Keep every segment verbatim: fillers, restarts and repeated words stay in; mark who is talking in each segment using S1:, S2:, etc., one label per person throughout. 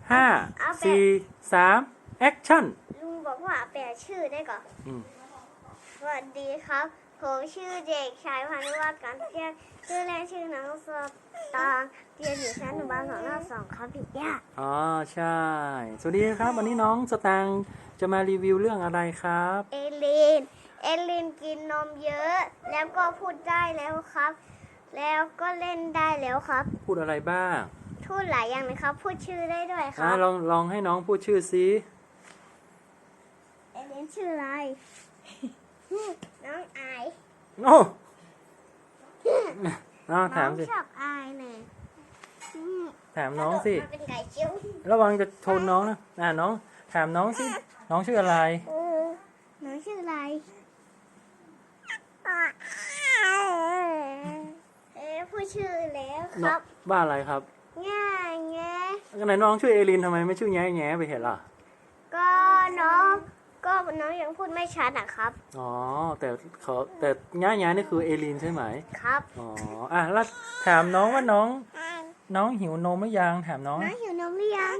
S1: ห้าสี่สามแอคชั่น
S2: ลุงบอกว่าแปลชื่อได้ก่อน
S1: อืม
S2: สวัสดีครับผมชื่อเด็กชายพานุวัฒน์การเที่ยงชื่อแรกชื่อน้องสตางค์เรียนอยู่ชั้นอนุบาลสองรอบสองครับพี่ย่า
S1: อ๋อใช่สวัสดีครับวันนี้น้องสตางค์จะมารีวิวเรื่องอะไรครับ
S2: เอลินเอลินกินนมเยอะแล้วก็พูดได้แล้วครับ แล้วก็เล่นได้แล้วครับ
S1: พูดอะไรบ้าง
S2: พูดหลายอย่างนะครับพูดชื่อได้ด้วยค
S1: อ่ะ
S2: รับ
S1: ลองลองให้น้องพูดชื่อซิ
S2: เอลินชื่ออะไร น้องอาย
S1: โอ้น้อง
S2: น้
S1: ถา
S2: อ
S1: ม
S2: ง
S1: สิ
S2: ชอบอายเนี่ยอืม
S1: ถามน้องสิ
S2: มาเป็นไก่เชิ้ว
S1: ระวังจะชนน้องนะอ่ะน้องถามน้องสิน้องชื่ออะไร
S2: เออน้องชื่ออะไรเอ๊ะพูดชื่อแล้วค
S1: น้อ
S2: รั
S1: ง
S2: บ
S1: บ้านอะไรครับ
S2: ง่ายแง
S1: ไหนน้องชื่อเอลินทำไมไม่ชื่อแง่แง่ไปเห็นล่ะ
S2: ก็น้องก็น้องยังพูดไม่ชัดนะครับ
S1: อ๋อแต่เขาแต่แง่แง่นี่คือเอลินใช่ไหม
S2: ครับ
S1: อ๋ออ่ะแล้วถามน้องว่าน้องน้องหิวนมหรือยังถามน้อง
S2: น้องหิวนมหรือยัง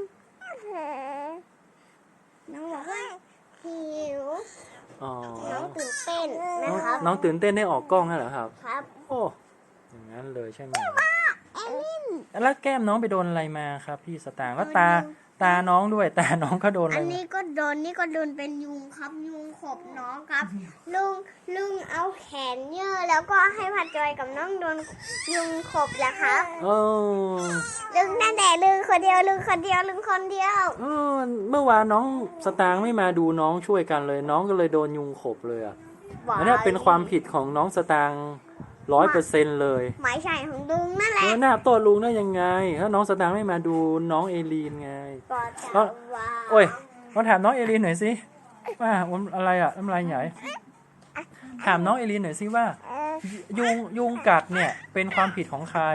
S2: น้องบอกว่าหิว
S1: อ๋อ
S2: น้องตื่นเต้น
S1: น้
S2: นะ
S1: อง
S2: ครับ
S1: น้องตื่นเต้นได้ออกกล้องแล้วเหรอครับ
S2: ครับ
S1: โอ้อย่างนั้นเลยใช่ไหม
S2: เอลิน
S1: แล้วแก้มน้องไปโดนอะไรมาครับพี่สตางค์แล้วตาตาน้องด้วยตาน้องก็โดนอะไร
S2: อัน
S1: มา
S2: นี้ก็โดนนี่ก็โดนเป็นยุงครับยุงขบน้องครับ ลุงลุงเอาแขนเยื่อแล้วก็ให้พัดจอยกับน้องโดนยุงขบแหละครับ
S1: โอ้
S2: ลุงนั่นแหละลุงคนเดียวลุงคนเดียวลุงคนเดียว
S1: เออเมื่อวานน้องสตางค์ไม่มาดูน้องช่วยกันเลย น้องก็เลยโดนยุงขบเลยอ่ะอันนี้เป็นความผิดของน้องสตางค์ร้อยเปอร์เซ็นต์เลย
S2: หมายใช่ของลุงนั่นแห
S1: เอ
S2: ละ
S1: อหน้าโต้ลุงได้ยังไงถ้าน้องสตางค์ไม่มาดูน้องเอลีนไง
S2: ก็จะ
S1: แล้ว
S2: ว่า
S1: โอ้ยมาถามน้องเอลีนหน่อยสิว่าผมอะไรอ่ะน้ำลายใหญ่ถามน้องเอลีนหน่อยสิว่า
S2: เอ่อ
S1: ยุงยุงกัดเนี่ยเป็นความผิดของใคร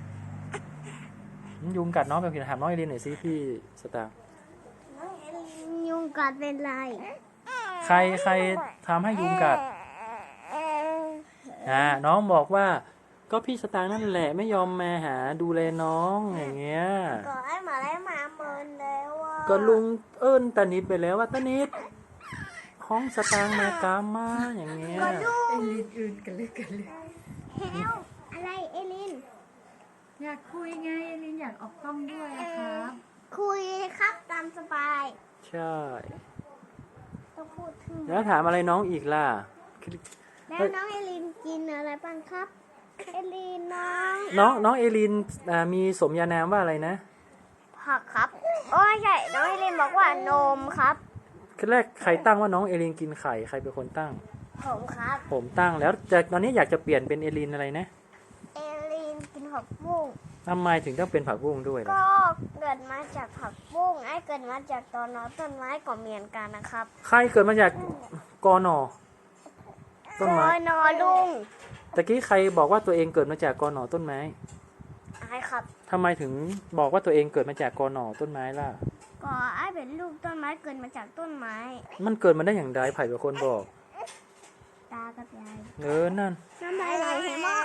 S1: ยุงกัดน้องเป็นผิดถามน้องเอลีนหน่อยสิพี่สตางค์
S2: น้องเอลินยุงกัดเป็นไร
S1: ใครใครทำให้ยุงกัดอ่าน้องบอกว่าก็พี่สตางค์นั่นแหละไม่ยอมมาหาดูแลน้องอย่างเงี้ย
S2: ก็ไอ้หมาไอ้หมาเมินแล้วอ่ะ
S1: ก็ลุงเอิ้นตานิดไปแล้วว่าตานิดห้องสตางค์มากามาอย่างเงี้ย
S2: ก็ลุ
S3: เอง ลินอื่นกันเลยกันเลย
S2: เฮลอะไรเอลิน
S3: อยากคุยไงเอลินอยากออกกล้องด้วยอะครับ
S2: คุยครับตามสบาย
S1: ใช่
S2: ต้องพูดถึง
S1: แล้วถามอะไรน้องอีกล่ะ
S2: แล้วน้องเอลินกินอะไรบ้างครับ เอลินน้อง
S1: น้องน้องเอลินอ่ามีสมญานามว่าอะไรนะ
S2: ผักครับโอ้ยใช่น้องเอลินบอกว่านมครับ
S1: คือแรกใครตั้งว่าน้องเอลินกินไข่ใครเป็นคนตั้ง
S2: ผมครับ
S1: ผมตั้งแล้วแต่ตอนนี้อยากจะเปลี่ยนเป็นเอลินอะไรนะ
S2: เอลินกินผักบุ้ง
S1: ทำไมถึงต้องเป็นผักบุ้งด้วยล่ะ
S2: ก็เกิดมาจากผักบุ้งไอ้เกิดมาจากตอนนอต้นไม้ก็เหมือนกันนะครับ
S1: ใครเกิดมาจากกอนอต้นไม้
S2: โอ้ยนอลุง
S1: ตะกี้ใครบอกว่าตัวเองเกิดมาจากกอนอต้นไม้
S2: ไอ้ครับ
S1: ทำไมถึงบอกว่าตัวเองเกิดมาจากกอนอต้นไม้ล่ะ
S2: ก็ไอ้เป็นลูกต้นไม้เกิดมาจากต้นไม้
S1: มันเกิดมาได้อย่างไรไผ่เป็นคนบอก
S2: ตากับยาย
S1: เออนั่น
S2: น้ำลายไหลเห็นไหม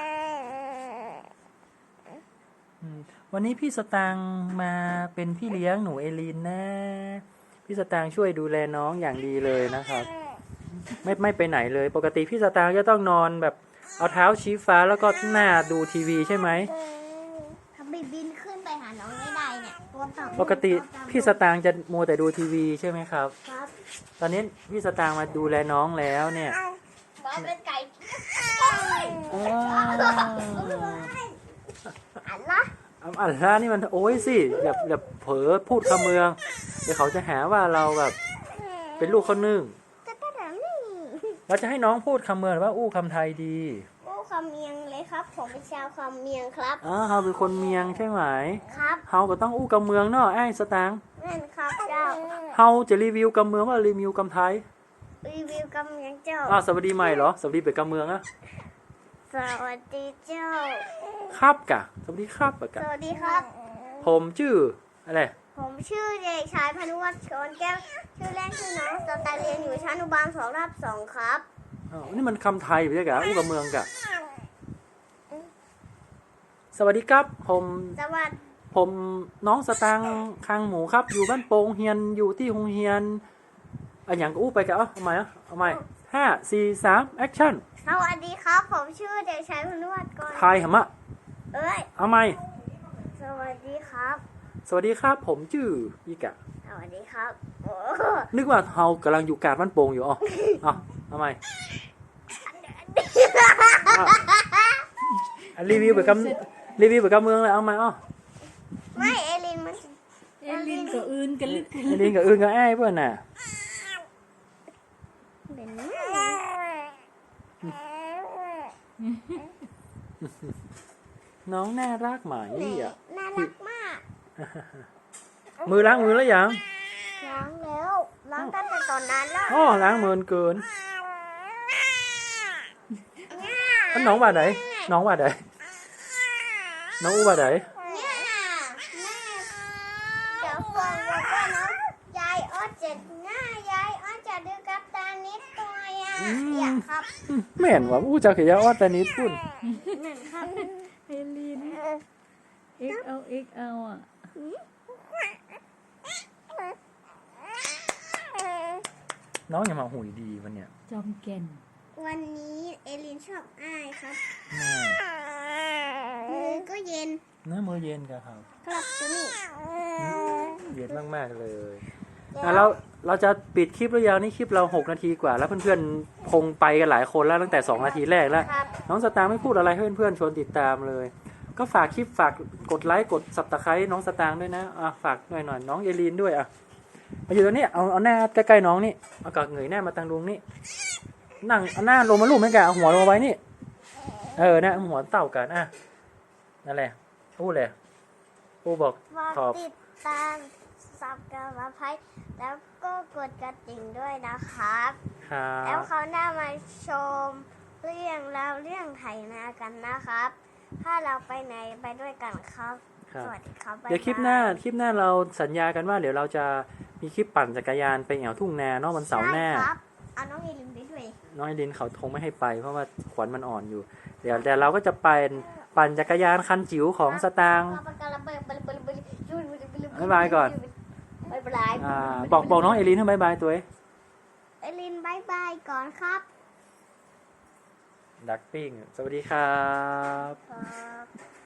S1: อืมวันนี้พี่สตางค์มาเป็นพี่เลี้ยงหนูเอลีนนะ พี่สตางค์ช่วยดูแลน้องอย่างดีเลยนะครับ ไม่ไม่ไปไหนเลย ปกติพี่สตางค์จะต้องนอนแบบเอาเท้าชี้ฟ้าแล้วก็หน้าดูทีวีใช่ไหม
S2: ทำไมบินขึ้นไปหาน้องไม่ได้เนี่ยตัวต่ำ
S1: ปกติพี่สตางค์จะมัวแต่ดูทีวีใช่ไหมครับ
S2: ครับ
S1: ตอนนี้พี่สตางค์มาดูแลน้องแล้วเนี่ย
S2: บอสเป็นไก่
S1: อ้าว
S2: อันละ
S1: อัลล่านี่มันโอ้ยสิอย่าอย่าเผลอพูดคำเมืองเดี๋ยวเขาจะหาว่าเราแบบเป็นลูกเขานึ่ง
S2: จะกระดังนี่
S1: เราจะให้น้องพูดคำเมืองหรือว่าอู้คำไทยดี
S2: โอ้คำเมียงเลยครับ ผมเป็นชาวคำเมียงครับ
S1: อ๋อเขาเป็นคนเมียงใช่ไหม
S2: ครับ
S1: เฮาก็ต้องอู้กำเมืองเนาะไอ้สตางค์
S2: นั่นครับเจ้า
S1: เฮาจะรีวิวกำเมืองว่ารีวิวกำไทย
S2: รีวิวคำเมียงเจ้า
S1: อ้าวสวัสดีใหม่เหรอสวัสดีเป็นกำเมืองอะ
S2: สวัสดีเจ้า
S1: ครับกะสวัสดีครับอะ
S2: ส
S1: กะ
S2: วัสดีครับ
S1: ผมชื่ออะไร
S2: ผมชื่อเด็กชายพานุวัฒน์ชนแก้ว ชื่อเล่นชื่อน้องสตาร์เรียนอยู่ชั้นอนุบาลสองรับสองครับ
S1: อ้าวนี่มันคำไทยไม่ใช่กะอู้กำเมืองกะสวัสดีครับผม
S2: สวัส
S1: ผมน้องสตางค์คางหมูครับ อยู่บ้านโป่งเฮียนอยู่ที่โรงเรียนอันอย่างก็อู้ไปกันเอ้าเอาใหม่อะเอาใหม่ห้าสี่สามแอคชั่น
S2: สวัสดีครับ ผมชื่อเด็กชายพนุวัฒน์ก่อน
S1: ทายหำอะ
S2: เอ้ย
S1: เอาใหม่
S2: สวัสดีครับ
S1: สวัสดีครับผมชื่ออีกะ
S2: สวัสดีครับโอ้
S1: นึกว่าเฮากำลังอยู่กลารบ้านโป่งอยู่อ๋อเอาเอาใหม่เอาอ่ะรีวิวแบบกำรีวิวแบบกำเมืองเลยเอาใหม่อ๋อ
S2: ไม่เอลินมัน
S3: เอลินกับอื่นกันลึก
S1: ไอ้ลิงกับอื่นกับไอ้ายเพื่อนน่ะ
S2: เป็น
S1: น้องน่ารักไหม
S2: แหม่
S1: อ่ะ
S2: น่ารักมาก
S1: มือล้างมือแล้วยัง
S2: ล้างแล้วล้างตั้งแต่ตอนนั้นแล้ว
S1: อ๋อล้างมือเกินอันน้องว่าไหนน้องว่าไหนน้องอู้ว่าไหน
S2: เนี่ยน่ะแม่เดี๋ยวฟังแล้วก็เนาะยายอ้อเจ็ดหน้ายายอ้อจะดูกับตานิดตัวอ่ะอยากครับ
S1: ไม่เห็นว่าอู้จะขยะอ้อแต่นิดพุ่น
S2: เหมือนครับ
S3: เอลินเอ็กเอาเอ็กเอาอ่ะ
S1: น้องอย่ามาหุยดีวันเนี้ย
S3: จอมแก่น
S2: วันนี้เอลินชอบอ้ายครับ
S1: แม่
S2: มือก็เย็น
S1: เนื้อมือเย็นกันครับ
S2: ครับตัวนี้
S1: เย็นมากๆเลย
S2: เดี๋ยว
S1: อ่ะเราเราจะปิดคลิปหรือยังนี่คลิปเราหกนาทีกว่า แล้วเพื่อนๆคงไปกันหลายคนแล้วตั้งแต่สองนาทีแรกแล้ว
S2: ครับ
S1: น้องสตางค์ไม่พูดอะไรให้เพื่อนๆชวนติดตามเลย ก็ฝากคลิปฝากกดไลค์กดสับตะไคร้น้องสตางค์ด้วยนะอ่ะฝากหน่อยหน่อยน้องเอลีนด้วยอ่ะมาอยู่ตรงนี้เอาเอาหน้าใกล้ๆน้องนี่เอากากเงยหน้ามาทางดวงนี่นั่งเอาหน้าลงมาลูบไม่แกเอาหัวลงมาไว้นี่เออนะเอาหัวเต่ากันอ่ะนั่นแหละพูดเลยพูดบอก
S2: ฝาก
S1: ขอบ
S2: ติดตามสับกระไพแล้วก็กดกระดิ่งด้วยนะครับ
S1: ครั
S2: แล้ว
S1: บ
S2: เขาวหน้ามาชมเรื่องราวเรื่องไถนากันนะครับ ถ้าเราไปไหนไปด้วยกันครับ
S1: ครับ
S2: สวัสดีครับบ๊าย
S1: เดี๋ยวคลิปหน้า
S2: บย
S1: คลิปหน้าเราสัญญากันว่าเดี๋ยวเราจะมีคลิปปั่นจักรยานไปแอวทุ่งนาเนาะวันเสาร์หน้า
S2: ใช่ครับเอาน้องเอลินไปด้วย
S1: น้องไอรินเขาคงไม่ให้ไปเพราะว่าขวัญมันอ่อนอยู่ เดี๋ยวแต่เราก็จะไปปั่นจักรยานคันจิ๋วของสตางค์ บ๊ายบายก่อน
S2: บ๊ายบาย
S1: อ่าบอกบอกน้องเอลินให้บายบายตัวเอง
S2: เอลินบายบายก่อนครับ
S1: ดักปิ้งสวัสดีครับ
S2: ครับ